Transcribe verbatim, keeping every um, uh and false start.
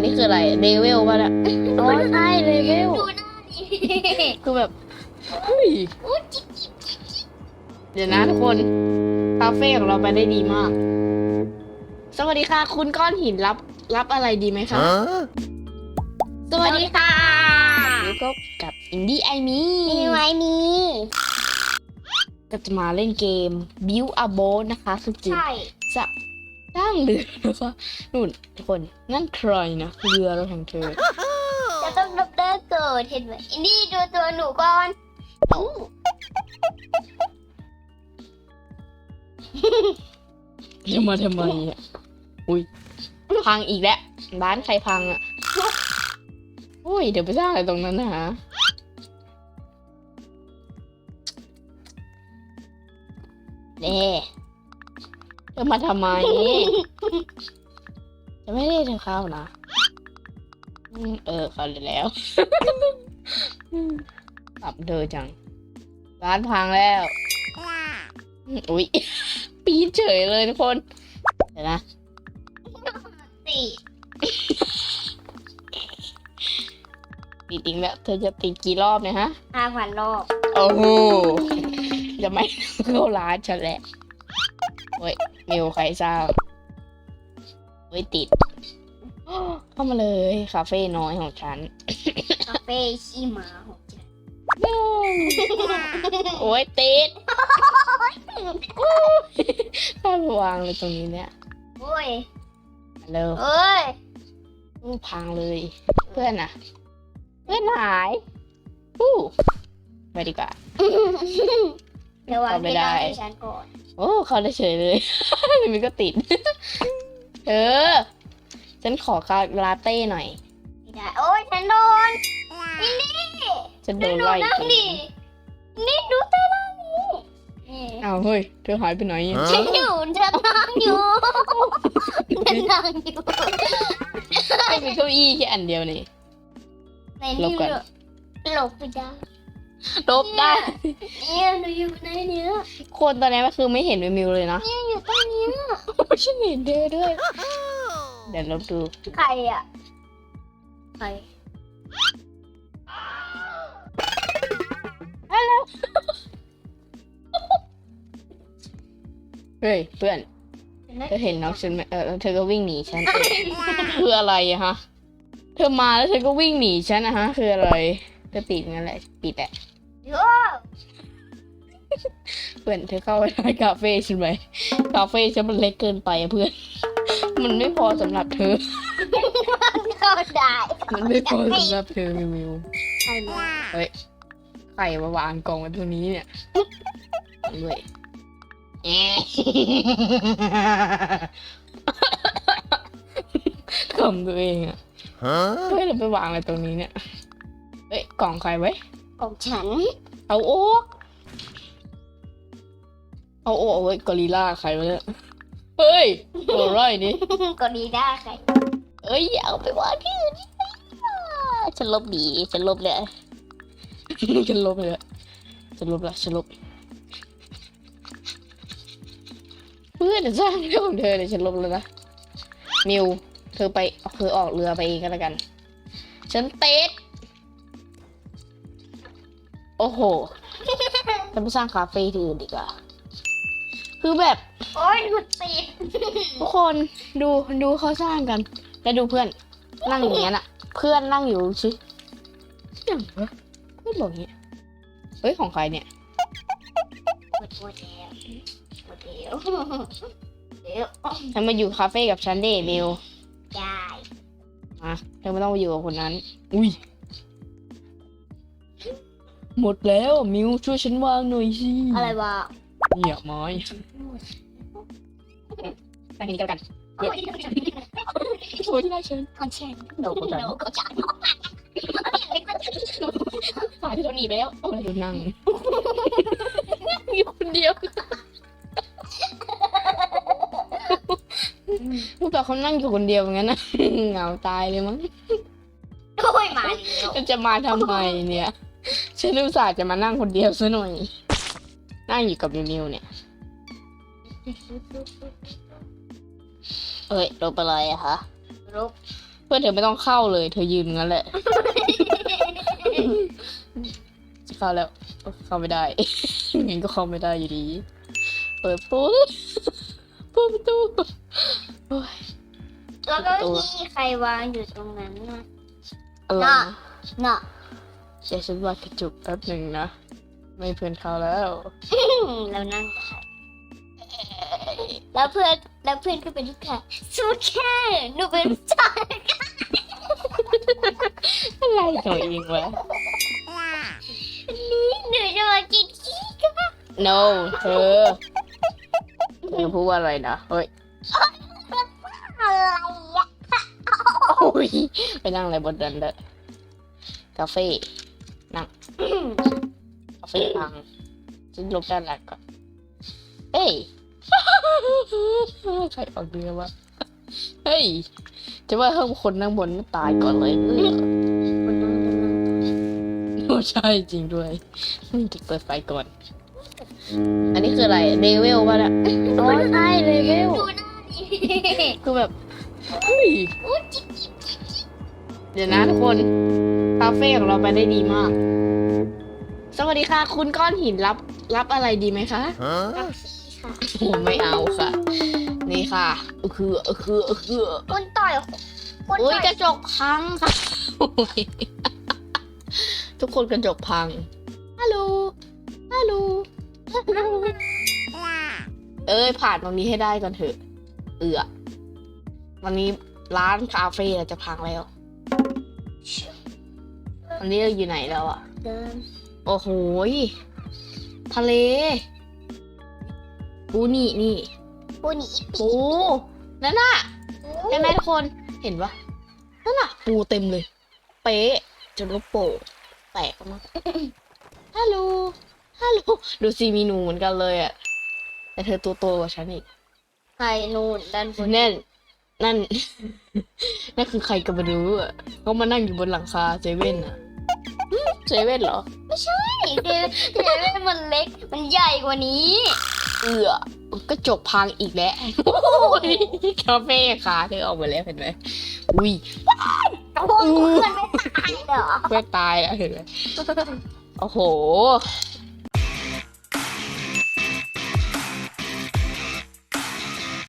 นี่คืออะไรเลเวลป่ะเนี่ยโอ้ใช่เลเวลดูหน้าดิคือแบบเฮ้ยเดี๋ยวนะทุกคนคาเฟ่ของเราไปได้ดีมากสวัสดีค่ะคุณก้อนหินรับรับอะไรดีไหมคะสวัสดีค่ะแล้วก็กับอินดี้ไอมีมีไหมมีก็จะมาเล่นเกม Build a Boat นะคะคือเกมใช่จะสร้างเรือนะคะนู่นทุกคนนั่นใครนะเรือเราของเธอจะต้องดับเบิลเกิดเห็นไหมอินดี้ดูตัวหนูก่อนเอาจะมาทำไมอ่ะอุ้ยพังอีกแล้วร้านใครพังอ่ะอุ้ยเดี๋ยวไปสร้างอะไรตรงนั้นนะฮะเน่เธอมาทำไมจะไม่ได้ทำข้าวนะอืมเออเขาเลยแล้วตับเธอจังร้านพังแล้วอุ้ยปีนเฉยเลยทุกคนเดี๋ยวนะสี่ติดอีกแล้วเธอจะติดกี่รอบเนี่ยฮะห้าพันรอบโอ้โหจะไม่เข้าร้านฉันแหละโอ้ยมิวใครทราบโอ้ยติดเข้ามาเลยคาเฟ่น้อยของฉันคาเฟ่ขี้หมาของฉันโอ้ยติดข้ามวางเลยตรงนี้เนี่ยโอ้ยเร็วเอ้ยพังเลย เพื่อนอะเพื่อนหายอู้ไปดีกว่าเดี๋ยววางเอาไม่ที่ได้ร้านให้ฉันก่อนโอ้เขาได้เฉยเลย มันก็ติด เออ ฉันขอคาลาเต้หน่อยไม่ได้โอ้ยฉันโดนอินดี้ฉันโดดูนหนูไล่นั่งดินี่ดูเต้นนั่งนี่นี่อ้าวเฮ้ย เธอหายไปไหนอะฉันอยู่ฉันนั่งอยู่ฉันนั่งอยู่ไม่มีเก้าอี้แค่อันเดียวนี่ในหลนี่บก่อนหลบไปได้ลบได้เนี่ยหนูอยู่ในเนี้ยคนตอนนี้ก็คือไม่เห็นมิวเลยนะเนี่ยอยู่ตรงเนี้ยฉันเห็นเธอด้วย เดี๋ยวลบดูใครอ่ะใครเฮ้ยเพื่อน เธอเห็นน้องฉันไหมเออเธอก็วิ่งหนีฉัน คืออะไรอะฮะ เธอมาแล้วเธอก็วิ่งหนีฉันนะฮะ คืออะไรเธอติดงั้นแหละปิดแหละโย่เพื่อนเธอเข้าไปในคาเฟ่ฉันไหมคาเฟ่ฉันมันเล็กเกินไปอะเพื่อน มันไม่พอสำหรับเธอเข้าได้มันไม่พอสำหรับเธอมิวมิวใครมาเฮ้ยใครมาวางกล่องไว้ตรงนี้เนี่ยด้วยแอะขำตัวเองอะเฮ้ยเราไปวางอะไรตรงนี้เนี่ยเฮ้ยกล่องใครไว้ของฉันเอาโอ๊กเอาโอ๊กเว้ยกอริลล่าใครวะเนี่ยเฮ้ยตัวไรนี่ก็ดีได้ใครเอ้ยอย่าเอาไปวางที่อื่นดิฉันลบดีฉันลบเลย ฉันลบเลยฉันลบละฉันลบเพื่อนจะสร้างเรื่องของเธอเลยฉันลบแล้วนะมิวเธอไปเธอออกเรือไปเองก็แล้วกัน ฉันเต๊ดโอ้โหฉันไปสร้างคาเฟ่ที่อื่นดีกว่าคือแบบโอ้ยหนูติดทุกคนดูดูเขาสร้างกันแล้วดูเพื่อนนั่งอย่างเงี้ยน่ะ เพื่อนนั่งอยู่ชิอย่างวะเพื่อนบอกอย่างเงี้ยเฮ้ยของใครเนี่ยหมดหมดแล้วหมดแล้วเดี๋ยวฉันมาอยู่คาเฟ่กับฉันเด้มิวได้มาเธอไม่ต้องไปอยู่กับคนนั้น อุ้ยหมดแล้วมิวช่วยฉันวางหน่อยสิอะไรวะเนี่ยไม้ตั้งกินกันเย็นช่วยที่ได้ฉันคอนเสิร์ตโนก็จังโนก็จัดสายที่เราหนีไปแล้วโอ้ยดูนั่งอยู่คนเดียวลูกต่อเขานั่งอยู่คนเดียวอย่างนั้นนะเหงาตายเลยมั้งโอ้ยมาแล้วจะมาทำไมเนี่ยฉันอุตส่าห์จะมานั่งคนเดียวซะหน่อยนั่งอยู่กับมิวๆเนี่ยเอ้ยลบไปเลยอะคะรูปเพื่อนเธอไม่ต้องเข้าเลย เธอยืนงั้นแหละ จะเข้าแล้วเข้าไม่ได้ งั้นก็เข้าไม่ได้อยู่ดี เปิดประตูเปิดประตูโอ้ยแล้วก็ที่ใครวางอยู่ตรงนั้นนะอะไรน่ะนะน่ะเดี๋ยวฉันวาดกระจุกแป๊บหนึ่งนะ ไม่เพื่อนเข้าแล้วแล้วนั่งค่ะแล้วเพื่อนแล้วเพื่อนก็เป็นลูกค้าสู้แค่หนูเป็นผู้ชายอะไรตัวเองวะนี่หนูจะมากินขี้กัน no เธอเธอพูดว่าอะไรนะเฮ้ยอะไรอะโอ้ยไปนั่งอะไรบนนั้นเด้อกาเฟ่นั่งกาเฟ่พังฉันลบด้านหลังก่อนเฮ้ย ใครออกเรือวะเฮ้ยจะว่าเพิ่มคนนั่งบนไม่ตายก่อนเลยเออคนนั่งคนนั่งโอ้ใช่จริงด้วยจะเปิดไฟก่อน อันนี้คืออะไรเลเวลป่ะเนี่ยโอ้ใช่เลเวลดูหน้าดิคือแบบเฮ้ยเดี๋ยวนะทุกคนคาเฟ่ของเราไปได้ดีมาก สวัสดีค่ะ คุณก้อนหินรับรับอะไรดีไหมคะเอาขี้ค่ะโอ้ไม่เอาค่ะ นี่ค่ะเออคือเออคือเออคือคนต่อยคนอุ้ยต่อยกระจกพังค่ะโอ้ยทุกคนกระจกพังฮัลโหลฮัลโหลเอ้ยผ่านตรงนี้ให้ได้ก่อนเถอะ เอือวันนี้ร้านคาเฟ่เราจะพังแล้ววันนี้เราอยู่ไหนแล้วอ่ะเดินโอ้โหยทะเลปูนี่นี่ปูหนีปูนั่นน่ะใช่ไหมทุกคนเห็นปะนั่นน่ะ ปูเต็มเลย เป๊ะจนลูกโป่งแตกออกมา ฮัลโหลฮัลโหลดูซีมีหนูเหมือนกันเลยอ่ะ แต่เธอตัวโตกว่าฉันอีกใครนู่นด้านบนนั่นนั่น นั่นคือใครก็ไม่รู้อ่ะเขามานั่งอยู่บนหลังคาเซเว่นอ่ะหึเซเว่นเหรอไม่ใช่เดี๋ยวเดี๋ยวมันเล็กมันใหญ่กว่านี้เอือกระจกพังอีกแล้วโอ้ยคาเฟ่ขาเธอออกมาแล้วเห็นไหมอุ้ยโอ้โหเพื่อนไม่ตายเหรอเพื่อนตายแล้วเห็นไหมโอ้โห